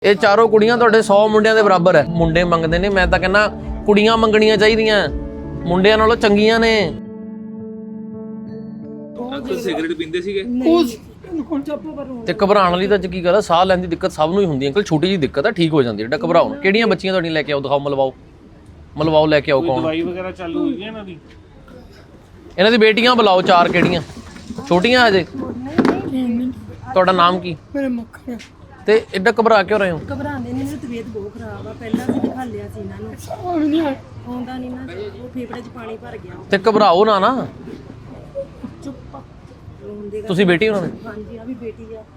ਇਹ ਚਾਰੋਂ ਕੁੜੀਆਂ ਤੁਹਾਡੇ 100 ਮੁੰਡਿਆਂ ਦੇ ਬਰਾਬਰ ਹੈ। ਮੁੰਡੇ ਮੰਗਦੇ ਨੇ, ਮੈਂ ਤਾਂ ਕਹਿੰਦਾ ਕੁੜੀਆਂ ਮੰਗਣੀਆਂ ਚਾਹੀਦੀਆਂ, ਮੁੰਡਿਆਂ ਨਾਲੋਂ ਚੰਗੀਆਂ ਨੇ। ਅੰਕਲ ਸਿਗਰਟ ਪੀਂਦੇ ਸੀਗੇ ਤੇ ਘਬਰਾਉਣ ਵਾਲੀ ਤਾਂ ਅੱਜ ਕੀ ਗੱਲ ਹੈ, ਸਾਹ ਲੈਣ ਦੀ ਦਿੱਕਤ ਸਭ ਨੂੰ ਹੀ ਹੁੰਦੀ ਹੈ ਅੰਕਲ, ਛੋਟੀ ਜੀ ਦਿੱਕਤ ਹੈ, ਠੀਕ ਹੋ ਜਾਂਦੀ ਹੈ। ਏਡਾ ਘਬਰਾਓ ਨਾ। ਕਿਹੜੀਆਂ ਬੱਚੀਆਂ ਤੁਹਾਡੀਆਂ ਲੈ ਕੇ ਆਓ, ਦਿਖਾਓ, ਮਲਵਾਓ ਲੈ ਕੇ ਆਓ। ਕੌਣ ਦਵਾਈ ਵਗੈਰਾ ਚਾਲੂ ਹੋਈ ਹੈ ਇਹਨਾਂ ਦੀ? ਇਹਨਾਂ ਦੀ ਬੇਟੀਆਂ ਬੁਲਾਓ, 4 ਕਿਹੜੀਆਂ ਛੋਟੀਆਂ ਹਜੇ। ਤੁਹਾਡਾ ਨਾਮ ਕੀ? ਮੇਰੇ ਮੱਖਣ ਤੇ ਏਡਾ ਘਬਰਾ ਕਿਉਂ ਰਹੇ ਹੋ? ਘਬਰਾਉਂਦੇ ਨਹੀਂ, ਤਬੀਅਤ ਬਹੁਤ ਖਰਾਬ ਆ। ਪਹਿਲਾਂ ਅਸੀਂ ਦਿਖਾ ਲਿਆ ਸੀ ਇਹਨਾਂ ਨੂੰ, ਸਾਹ ਵੀ ਨਹੀਂ ਆਉਂਦਾ ਨਹੀਂ ਨਾ, ਉਹ ਫੇਫੜੇ 'ਚ ਪਾਣੀ ਭਰ ਗਿਆ। ਤੇ ਘਬਰਾਓ ਨਾ ਚੁੱਪ ਰੋਂਦੇ। ਤੁਸੀਂ ਬੇਟੀ ਉਹਨਾਂ ਨੇ? ਹਾਂਜੀ, ਆ ਵੀ ਬੇਟੀ ਆ।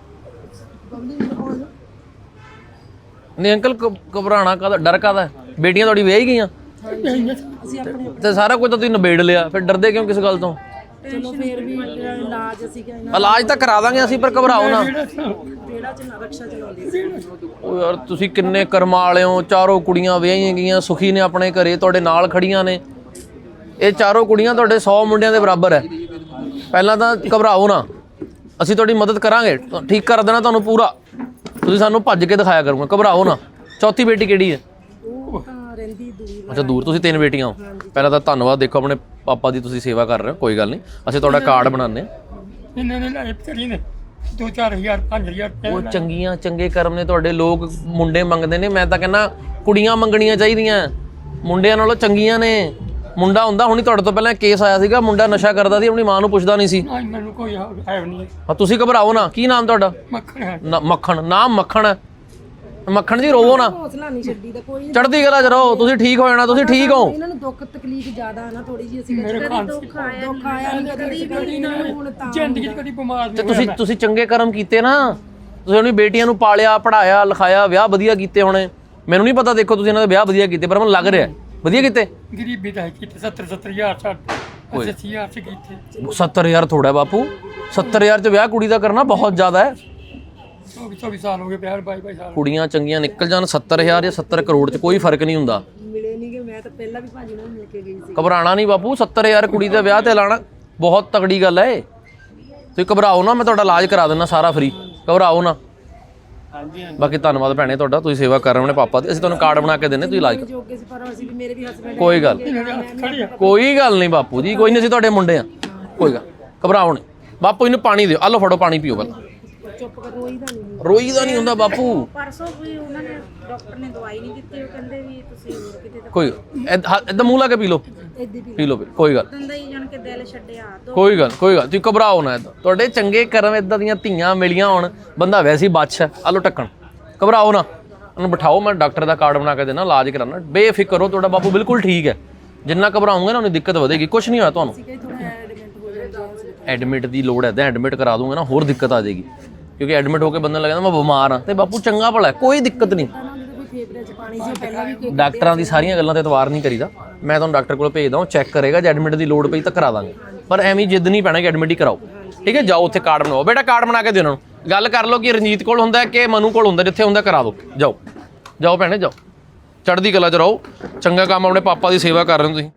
ਨਹੀਂ ਅੰਕਲ, ਘਬਰਾਣਾ ਕਾਹਦਾ, ਡਰ ਕਾਹਦਾ? ਬੇਟੀਆਂ ਤੁਹਾਡੀ ਵਿਆਹੀ ਗਈਆਂ ਅਸੀਂ ਆਪਣੇ ਤੇ ਸਾਰਾ ਕੁਝ ਤਾਂ ਤੁਸੀਂ ਨਿਬੇੜ ਲਿਆ, ਫਿਰ ਡਰਦੇ ਕਿਉਂ ਕਿਸ ਗੱਲ ਤੋਂ? ਚਲੋ ਫੇਰ ਵੀ ਇਲਾਜ ਅਸੀਂ ਇਹਨਾਂ ਇਲਾਜ ਤਾਂ ਕਰਾ ਦਾਂਗੇ ਅਸੀਂ, ਪਰ ਘਬਰਾਓ ਨਾ। ਜਿਹੜਾ ਚ ਰਕਸ਼ਾ ਚਲਾਉਂਦੇ ਸੀ। ਉਹ ਯਾਰ ਤੁਸੀਂ ਕਿੰਨੇ ਕਰਮਾਂ ਵਾਲੇ ਹੋ, ਚਾਰੋਂ ਕੁੜੀਆਂ ਵਿਆਹੀਆਂ ਗਈਆਂ, ਸੁਖੀ ਨੇ ਆਪਣੇ ਘਰੇ, ਤੁਹਾਡੇ ਨਾਲ ਖੜੀਆਂ ਨੇ। ਇਹ ਚਾਰੋਂ ਕੁੜੀਆਂ ਤੁਹਾਡੇ 100 ਮੁੰਡਿਆਂ ਦੇ ਬਰਾਬਰ ਹੈ। ਪਹਿਲਾਂ ਤਾਂ ਘਬਰਾਓ ਨਾ, ਅਸੀਂ ਤੁਹਾਡੀ ਮਦਦ ਕਰਾਂਗੇ, ਠੀਕ ਕਰ ਦੇਣਾ ਤੁਹਾਨੂੰ ਪੂਰਾ। ਤੁਸੀਂ ਸਾਨੂੰ ਭੱਜ ਕੇ ਦਿਖਾਇਆ ਕਰੋਗੇ, ਘਬਰਾਓ ਨਾ। ਚੌਥੀ ਬੇਟੀ ਕਿਹੜੀ ਹੈ? ਉਹ ਤਾਂ ਰਹਿੰਦੀ ਦੂਰ। ਅੱਛਾ ਦੂਰ। ਤੁਸੀਂ 3 ਬੇਟੀਆਂ ਹੋ। ਪਹਿਲਾਂ ਤਾਂ ਧੰਨਵਾਦ, ਦੇਖੋ ਆਪਣੇ ਪਾਪਾ ਦੀ ਤੁਸੀਂ ਸੇਵਾ ਕਰ ਰਹੇ ਹੋ, ਕੋਈ ਗੱਲ ਨਹੀਂ, ਅਸੀਂ ਤੁਹਾਡਾ ਕਾਰਡ ਬਣਾਉਂਦੇ ਹਾਂ। ਇਹਨਾਂ ਨੇ ਲਾਇ ਪਤਰੀ ਨੇ 2-4 ਹਜ਼ਾਰ 5 ਹਜ਼ਾਰ ਉਹ ਚੰਗੀਆਂ ਚੰਗੇ ਕਰਮ ਨੇ ਤੁਹਾਡੇ। ਲੋਕ ਮੁੰਡੇ ਮੰਗਦੇ ਨੇ, ਮੈਂ ਤਾਂ ਕਹਿੰਦਾ ਕੁੜੀਆਂ ਮੰਗਣੀਆਂ ਚਾਹੀਦੀਆਂ, ਮੁੰਡਿਆਂ ਨਾਲੋਂ ਚੰਗੀਆਂ ਨੇ। ਮੁੰਡਾ ਹੁੰਦਾ, ਹੁਣੀ ਤੁਹਾਡੇ ਤੋਂ ਪਹਿਲਾਂ ਕੇਸ ਆਇਆ ਸੀਗਾ, ਮੁੰਡਾ ਨਸ਼ਾ ਕਰਦਾ ਸੀ, ਆਪਣੀ ਮਾਂ ਨੂੰ ਪੁੱਛਦਾ ਨਹੀਂ ਸੀ। ਮੈਨੂੰ ਕੋਈ ਹੈ ਨਹੀਂ। ਹਾਂ ਤੁਸੀਂ ਘਬਰਾਓ ਨਾ। ਕੀ ਨਾਮ ਤੁਹਾਡਾ? ਮੱਖਣ ਹੈ। ਮੱਖਣ। ਨਾਮ ਮੱਖਣ ਹੈ? ਮੱਖਣ ਜੀ ਰੋਵੋ ਨਾ, ਹੌਸਲਾ ਨਹੀਂ ਛੱਡੀ ਦਾ ਕੋਈ। ਚੜ੍ਹਦੀ ਕਲਾ ਚ ਰਹੋ, ਤੁਸੀਂ ਠੀਕ ਹੋ ਜਾਣਾ, ਤੁਸੀਂ ਠੀਕ ਹੋ। ਇਹਨਾਂ ਨੂੰ ਦੁੱਖ ਤਕਲੀਫ ਜ਼ਿਆਦਾ ਆ ਨਾ, ਥੋੜੀ ਜਿਹੀ ਅਸੀਂ ਮੇਰੇ ਖਾਨ ਦੁੱਖ ਆਇਆ ਨਹੀਂ ਕਦੀ ਹੁਣ ਤਾਂ ਜ਼ਿੰਦਗੀ 'ਚ ਕਦੀ ਬਿਮਾਰ ਤੇ ਨਹੀਂ ਤੁਸੀਂ ਚੰਗੇ ਕਰਮ ਕੀਤੇ ਨਾ, ਤੁਸੀਂ ਆਪਣੀ ਬੇਟੀਆਂ ਨੂੰ ਪਾਲਿਆ, ਪੜਾਇਆ, ਲਿਖਾਇਆ, ਵਿਆਹ ਵਧੀਆ ਕੀਤੇ ਹੋਣੇ। ਮੈਨੂੰ ਨਹੀਂ ਪਤਾ, ਦੇਖੋ ਤੁਸੀਂ ਇਹਨਾਂ ਦੇ ਵਿਆਹ ਵਧੀਆ ਕੀਤੇ, ਪਰ ਮੈਨੂੰ ਲੱਗ ਰਿਹਾ ਵਧੀਆ ਕੀਤੇ। ਗਰੀਬੀ ਦਾ ਕੀਤੇ 70 ਹਜ਼ਾਰ 80 ਹਜ਼ਾਰ ਚ ਕੀਤੇ। 70,000 ਥੋੜਾ ਬਾਪੂ, 70,000 ਚ ਵਿਆਹ ਕੁੜੀ ਦਾ ਕਰਨਾ ਬਹੁਤ ਜ਼ਿਆਦਾ ਹੈ। 24 ਸਾਲ ਹੋ ਗਏ, 22 ਸਾਲ। ਕੁੜੀਆਂ ਚੰਗੀਆਂ ਨਿਕਲ ਜਾਣ, 70,000 ਜਾਂ 70 ਕਰੋੜ ਚ ਕੋਈ ਫਰਕ ਨਹੀਂ ਹੁੰਦਾ। ਮਿਲੇ ਨਹੀਂ ਕਿ ਮੈਂ ਤਾਂ ਪਹਿਲਾਂ ਵੀ ਭਾਜੀ ਨਾਲ ਮਿਲ ਕੇ ਗਈ ਸੀ। ਘਬਰਾਣਾ ਨਹੀਂ ਬਾਪੂ, 70,000 ਕੁੜੀ ਦਾ ਵਿਆਹ ਤੇ ਲਾਣਾ ਬਹੁਤ ਤਗੜੀ ਗੱਲ ਹੈ। ਤੁਸੀਂ ਘਬਰਾਓ ਨਾ, ਮੈਂ ਤੁਹਾਡਾ ਇਲਾਜ ਕਰਾ ਦਿੰਦਾ ਸਾਰਾ ਫ੍ਰੀ, ਘਬਰਾਓ ਨਾ। ਹਾਂਜੀ ਬਾਕੀ ਧੰਨਵਾਦ ਭੈਣੇ ਤੁਹਾਡਾ, ਤੁਸੀਂ ਸੇਵਾ ਕਰ ਰਹੇ ਹੋ ਆਪਣੇ ਪਾਪਾ ਦੀ। ਅਸੀਂ ਤੁਹਾਨੂੰ ਕਾਰਡ ਬਣਾ ਕੇ ਦਿੰਦੇ, ਤੁਸੀਂ ਇਲਾਜ ਕਰੋ। ਜੋਗੇ ਸੀ, ਪਰ ਅਸੀਂ ਵੀ ਮੇਰੇ ਵੀ ਹਸਬੰਡ ਕੋਈ ਗੱਲ ਨਹੀਂ ਬਾਪੂ ਜੀ, ਕੋਈ ਨਹੀਂ, ਅਸੀਂ ਤੁਹਾਡੇ ਮੁੰਡੇ ਆ, ਕੋਈ ਗੱਲ। ਘਬਰਾਓ ਨਹੀਂ ਬਾਪੂ, ਇਹਨੂੰ ਪਾਣੀ ਦਿਓ, ਆ ਲਓ ਫੜੋ ਪਾਣੀ ਪੀਓ ਪਹਿਲਾਂ। ਚੁੱਪ ਕਰ, ਰੋਈ ਦਾ ਨਹੀਂ ਹੁੰਦਾ ਬਾਪੂ। ਪਰਸੋਂ ਵੀ ਉਹਨਾਂ ਨੇ ਡਾਕਟਰ ਨੇ ਦਵਾਈ ਨਹੀਂ ਦਿੱਤੀ, ਉਹ ਕਹਿੰਦੇ ਵੀ ਤੁਸੀਂ ਹੋਰ ਕਿਤੇ ਤਾਂ ਕੋਈ ਏਦਾਂ ਮੂੰਹ ਲਾ ਕੇ ਪੀ ਲਓ, ਇੱਦੀ ਪੀ ਲਓ, ਕੋਈ ਗੱਲ, ਦੰਦਾ ਹੀ ਜਾਣ ਕੇ ਦਿਲ ਛੱਡਿਆ। ਕੋਈ ਗੱਲ, ਤੁਸੀਂ ਘਬਰਾਓ ਨਾ। ਏਦਾਂ ਤੁਹਾਡੇ ਚੰਗੇ ਕਰਮ, ਏਦਾਂ ਦੀਆਂ ਧੀਆਂ ਮਿਲੀਆਂ ਹੋਣ, ਬੰਦਾ ਵੈਸੇ ਹੀ ਬਾਦਸ਼ਾਹ। ਆ ਲਓ ਢੱਕਣ, ਘਬਰਾਓ ਨਾ, ਉਹਨੂੰ ਬਿਠਾਓ, ਮੈਂ ਡਾਕਟਰ ਦਾ ਕਾਰਡ ਬਣਾ ਕੇ ਦੇਣਾ, ਇਲਾਜ ਕਰਾਉਣਾ, ਬੇਫਿਕਰ ਹੋ। ਤੁਹਾਡਾ ਬਾਪੂ ਬਿਲਕੁਲ ਠੀਕ ਹੈ। ਜਿੰਨਾ ਘਬਰਾਉਂਗੇ ਨਾ, ਉਹਨੀ ਦਿੱਕਤ ਵਧੇਗੀ, ਕੁਝ ਨਹੀਂ ਹੋਇਆ ਤੁਹਾਨੂੰ। ਐਡਮਿਟ ਦੀ ਲੋੜ ਹੈ ਤਾਂ ਐਡਮਿਟ ਕਰਾ ਦੂੰਗਾ ਨਾ, ਹੋਰ ਦਿੱਕਤ ਆ ਜਾਏਗੀ, ਕਿਉਂਕਿ ਐਡਮਿਟ ਹੋ ਕੇ ਬੰਦਾ ਲੱਗਦਾ ਮੈਂ ਬਿਮਾਰ ਹਾਂ। ਤੇ ਬਾਪੂ ਚੰਗਾ ਭਲਾ, ਕੋਈ ਦਿੱਕਤ ਨਹੀਂ। ਡਾਕਟਰਾਂ ਦੀ ਸਾਰੀਆਂ ਗੱਲਾਂ ਤੇ ਇਤਵਾਰ ਨਹੀਂ ਕਰੀਦਾ। ਮੈਂ ਤੁਹਾਨੂੰ ਡਾਕਟਰ ਕੋਲ ਭੇਜਦਾ, ਉਹ ਚੈੱਕ ਕਰੇਗਾ, ਜੇ ਐਡਮਿਟ ਦੀ ਲੋੜ ਪਈ ਤਾਂ ਕਰਾ ਦਾਂਗੇ, ਪਰ ਐਵੇਂ ਜਿੱਦ ਨਹੀਂ ਪੈਣਾ ਕਿ ਐਡਮਿਟ ਹੀ ਕਰਾਓ, ਠੀਕ ਹੈ। ਜਾਓ ਉੱਥੇ ਕਾਰਡ ਬਣਾਓ, ਬੇਟਾ ਕਾਰਡ ਬਣਾ ਕੇ ਦਿਓ ਉਹਨਾਂ ਨੂੰ, ਗੱਲ ਕਰ ਲਓ ਕਿ ਰਣਜੀਤ ਕੋਲ ਹੁੰਦਾ ਕਿ ਮਨੂ ਕੋਲ ਹੁੰਦਾ, ਜਿੱਥੇ ਹੁੰਦਾ ਕਰਾ ਦਿਓ। ਜਾਓ ਭੈਣੇ ਜਾਓ, ਚੜ੍ਹਦੀ ਕਲਾ ਚ ਰਹੋ, ਚੰਗਾ ਕੰਮ ਆਪਣੇ ਪਾਪਾ ਦੀ ਸੇਵਾ ਕਰ ਰਹੇ ਹੋ ਤੁਸੀਂ।